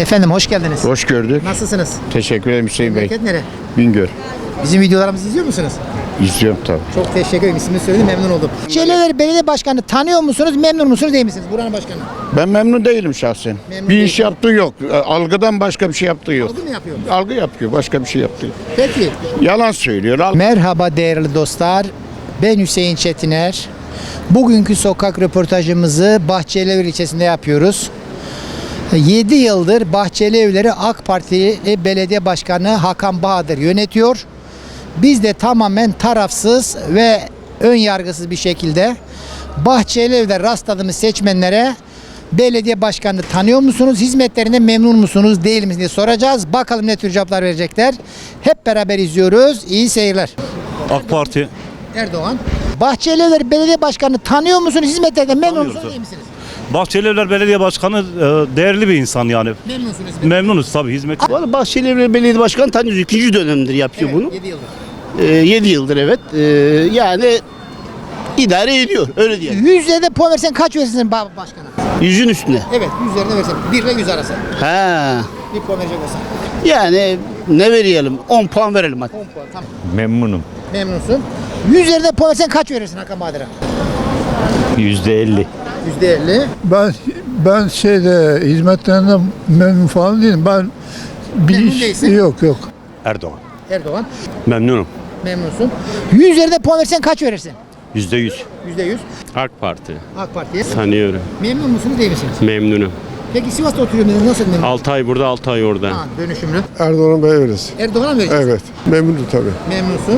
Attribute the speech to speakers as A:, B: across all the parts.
A: Efendim hoş geldiniz.
B: Hoş gördük.
A: Nasılsınız?
B: Teşekkür ederim Hüseyin Bey.
A: Memleket nere?
B: Bingöl.
A: Bizim videolarımızı izliyor musunuz?
B: İzliyorum tabii.
A: Çok teşekkür ederim. İsmini söyledim, memnun oldum. Çelever Belediye Başkanı tanıyor musunuz? Memnun musunuz değil misiniz? Buranın başkanı.
B: Ben memnun değilim şahsen.
A: Memnun
B: bir
A: değil.
B: iş yaptığı yok. Algıdan başka bir şey yaptığı yok.
A: Algı mı yapıyor?
B: Algı yapıyor. Başka bir şey yaptığı yok.
A: Peki.
B: Yalan söylüyor.
A: Merhaba değerli dostlar. Ben Hüseyin Çetiner. Bugünkü sokak röportajımızı Bahçelievler ilçesinde yapıyoruz. 7 yıldır Bahçelievler'i AK Parti Belediye Başkanı Hakan Bahadır yönetiyor. Biz de tamamen tarafsız ve ön yargısız bir şekilde Bahçelievler'de rastladığımız seçmenlere belediye başkanını tanıyor musunuz? Hizmetlerinden memnun musunuz? Değil misiniz diye soracağız. Bakalım ne tür cevaplar verecekler. Hep beraber izliyoruz. İyi seyirler.
C: AK Parti.
A: Erdoğan. Bahçelievler Belediye Başkanı tanıyor musunuz? Hizmetlerinden memnun
C: Tanıyoruz,
A: musunuz?
C: evet.
A: Değil misiniz?
C: Bahçelievler Belediye Başkanı değerli bir insan yani.
A: Memnunsunuz.
C: Memnunuz tabii hizmet.
D: Vallahi Bahçelievler Belediye Başkanı tanıyoruz. 2. dönemdir yapıyor
A: Evet,
D: bunu.
A: 7 yıldır.
D: 7 yıldır evet. Yani idare ediyor. Öyle diyelim.
A: 100 üzerinde puan versen kaç verirsin başkana?
D: 100'ün üstüne.
A: Evet, 100 üzerinde versen. 1 ile 100 arası.
D: Ha.
A: Bir puan verecek olsan.
D: Yani ne verelim? 10 puan verelim hadi.
A: 10 puan. Tamam.
E: Memnunum.
A: Memnunsun. 100 üzerinde puan versen kaç verirsin Hakan Bahadır'a?
E: %50.
A: %50.
F: Ben hizmetlerinden memnun falan değilim. Ben bir
A: Memnun değilsin.
F: yok.
E: Erdoğan.
A: Erdoğan.
E: Memnunum.
A: Memnunsun. 100 üzerinde puan versen kaç verirsin?
E: %100.
A: %100.
G: AK Parti.
A: AK Parti'ye.
G: Tanıyorum.
A: Memnun musunuz değil misiniz?
G: Memnunum.
A: Peki Sivas'ta oturuyorum dediniz. Nasıl memnun?
G: 6 ay burada 6 ay orada.
A: Ha, dönüşümlü.
F: Erdoğan'ı beğeniriz.
A: Erdoğan'a mı vereceğiz?
F: Evet. Memnunum tabii.
A: Memnunsun.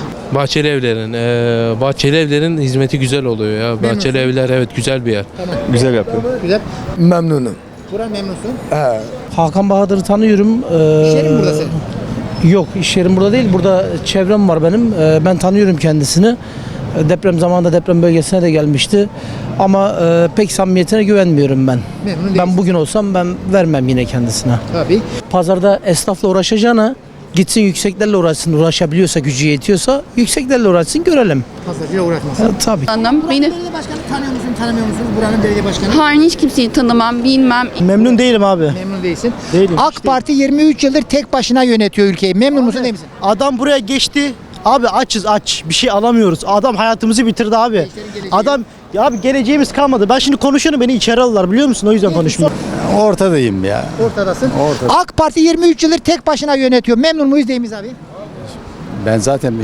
H: Bahçelievler'in hizmeti güzel oluyor ya.
A: Memnunsun.
H: Bahçelievler evet güzel bir yer.
A: Tamam.
E: Güzel yapıyor.
A: Güzel.
F: Memnunum.
A: Buran memnunsun.
H: Hakan Bahadır'ı tanıyorum.
A: İş yerin burada senin.
H: Yok, iş yerim burada değil. Burada çevrem var benim. Ben tanıyorum kendisini. Deprem zamanında deprem bölgesine de gelmişti. Ama pek samimiyetine güvenmiyorum ben.
A: Memnun değilsin.
H: Ben bugün olsam ben vermem yine kendisine.
A: Tabii.
H: Pazarda esnafla uğraşacağına gitsin yükseklerle uğraşsın. Uğraşabiliyorsa, gücü yetiyorsa yükseklerle uğraşsın görelim.
A: Pazarcıyla uğraşmasın.
H: Tabii.
I: Anlam
A: Buranın
I: beni
A: belediye başkanı tanıyor musun, tanımıyor musunuz? Buranın belediye başkanı.
I: hayır hiç kimseyi tanımam, bilmem.
H: Memnun değilim abi.
A: Memnun değilsin.
H: Değilim,
A: AK
H: hiç
A: Parti 23 yıldır tek başına yönetiyor ülkeyi. Memnun musun değil misin?
J: Adam buraya geçti. Abi açız aç. Bir şey alamıyoruz. Adam hayatımızı bitirdi abi.
A: geleceği.
J: Adam ya abi geleceğimiz kalmadı. Ben şimdi konuşuyorum beni içeri alırlar biliyor musun? O yüzden konuşmuyorum.
E: Ortadayım ya.
A: Ortadasın. AK Parti 23 yıldır tek başına yönetiyor. Memnun muyuz değil miyiz abi?
E: Ben zaten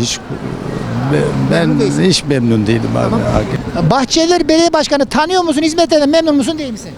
A: Memnun değilsin.
E: hiç memnun değilim abi.
A: Tamam. Bahçelievler Belediye Başkanı tanıyor musun? Hizmetlerinden memnun musun değil misin?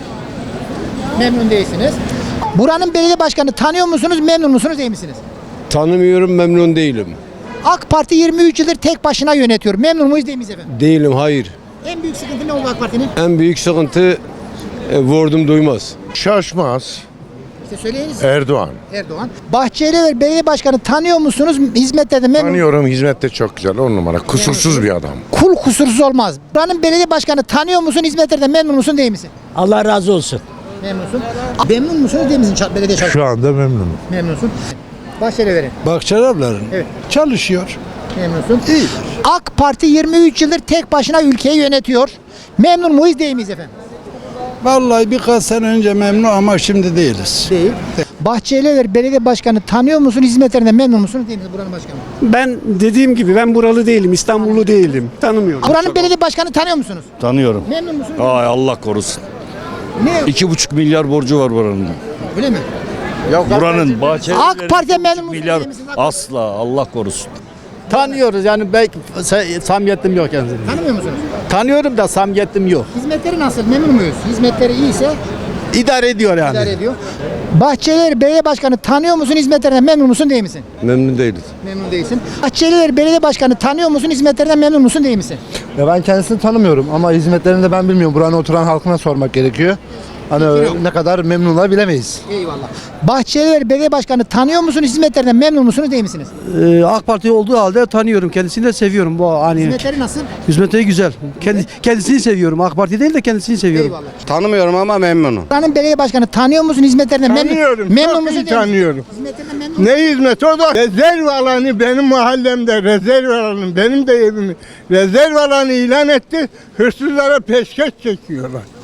A: Memnun değilsiniz. Buranın belediye başkanı tanıyor musunuz? Memnun musunuz değil misiniz?
K: Tanımıyorum, memnun değilim.
A: AK Parti 23 yıldır tek başına yönetiyor. Memnun muyuz değil miyiz efendim?
K: Değilim, hayır.
A: En büyük sıkıntı ne oldu AK Parti'nin?
K: En büyük sıkıntı vurdum duymaz.
F: Şaşmaz.
A: İşte söyleyiniz.
F: Erdoğan.
A: Erdoğan. Bahçelievler Belediye Başkanı tanıyor musunuz? Hizmetlerinden memnun.
F: Tanıyorum. Hizmette çok güzel. 10 numara. Kusursuz bir adam.
A: Kul kusursuz olmaz. Buranın belediye başkanı tanıyor musun? Hizmetlerinden memnun musun değil misin?
J: Allah razı olsun.
A: Memnunsun. Memnun musunuz değil misin belediye çalışanı?
F: Şu anda memnunum.
A: Memnunsun. Bahçelievler'in.
F: Bahçelievler'in
A: Evet.
F: çalışıyor.
A: Memnunsun. AK Parti 23 yıldır tek başına ülkeyi yönetiyor. Memnun muyuz değil miyiz efendim?
F: Vallahi birkaç sene önce memnun ama şimdi değiliz.
A: Değil. Bahçelievler Belediye Başkanı tanıyor musun? Hizmetlerinden memnun musunuz değil misiniz buranın başkanı?
K: Ben dediğim gibi ben buralı değilim, İstanbullu değilim. Tanımıyorum.
A: Buranın belediye başkanı tanıyor musunuz?
C: Tanıyorum.
A: Memnun musunuz?
C: Ay Allah korusun.
A: Ne?
C: 2,5 milyar borcu var buranın.
A: Öyle mi?
C: Buranın
A: AK Parti'ye memnun musunuz
C: milyar
A: değil misiniz?
C: asla Allah korusun.
J: Tanıyoruz yani belki samimiyetim yok yani.
A: Tanımıyor musunuz?
J: Tanıyorum da samimiyetim yok.
A: Hizmetleri nasıl? Memnun muyuz? Hizmetleri iyiyse
J: İdare ediyor yani.
A: idare ediyor. Bahçelievler Belediye Başkanı tanıyor musun? Hizmetlerinden memnun musun değil misin?
K: Memnun değiliz.
A: Memnun değilsin. Bahçelievler Belediye Başkanı tanıyor musun? Hizmetlerinden memnun musun değil misin?
F: Ya ben kendisini tanımıyorum ama hizmetlerini de ben bilmiyorum. Buranın oturan halkına sormak gerekiyor. Hani ne kadar memnunlar bilemeyiz.
A: Eyvallah. Bahçelievler Belediye Başkanı tanıyor musun? Hizmetlerinden memnun musunuz değil misiniz?
J: AK Parti olduğu halde tanıyorum. Kendisini de seviyorum. Bu hani
A: Hizmetleri nasıl?
J: hizmetleri güzel. Kendisini seviyorum. AK Parti değil de kendisini seviyorum.
A: Eyvallah.
K: Tanımıyorum ama memnunum.
A: Buranın belediye başkanı tanıyor musun? Hizmetlerinden memnun memnun musun? Değil misin?
F: tanıyorum.
A: Hizmetlerinden memnun musun?
F: Ne hizmet o da? Rezerv alanı benim mahallemde rezerv alanı benim de evimi rezerv alanı ilan etti. Hırsızlara peşkeş çekiyorlar.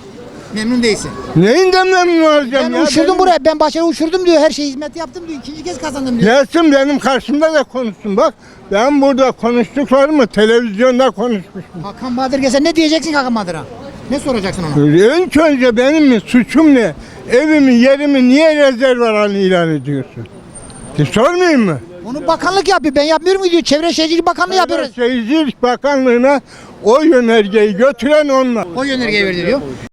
A: Memnun değilsin.
F: Neyinden memnun olacağım
A: Ben
F: ya?
A: uçurdum buraya. Ben Bahçeli uçurdum diyor. Her şeyi hizmet yaptım diyor. İkinci kez kazandım diyor.
F: Gelsin benim karşımda da konuşsun bak. Ben burada konuştuklarımı televizyonda konuşmuşum.
A: Hakan Bahadır gelse ne diyeceksin Hakan Bahadır'a? Ne soracaksın ona?
F: İlk önce benim mi suçum ne? Evimi yerimi niye rezerv alan ilan ediyorsun? Sormayayım mı?
A: Onu bakanlık yapıyor. Ben yapmıyorum mu diyor. Çevre Şehircilik Bakanlığı yapıyoruz.
F: Şehircilik Bakanlığı'na o yönergeyi götüren onlar.
A: O yönergeyi verdi diyor.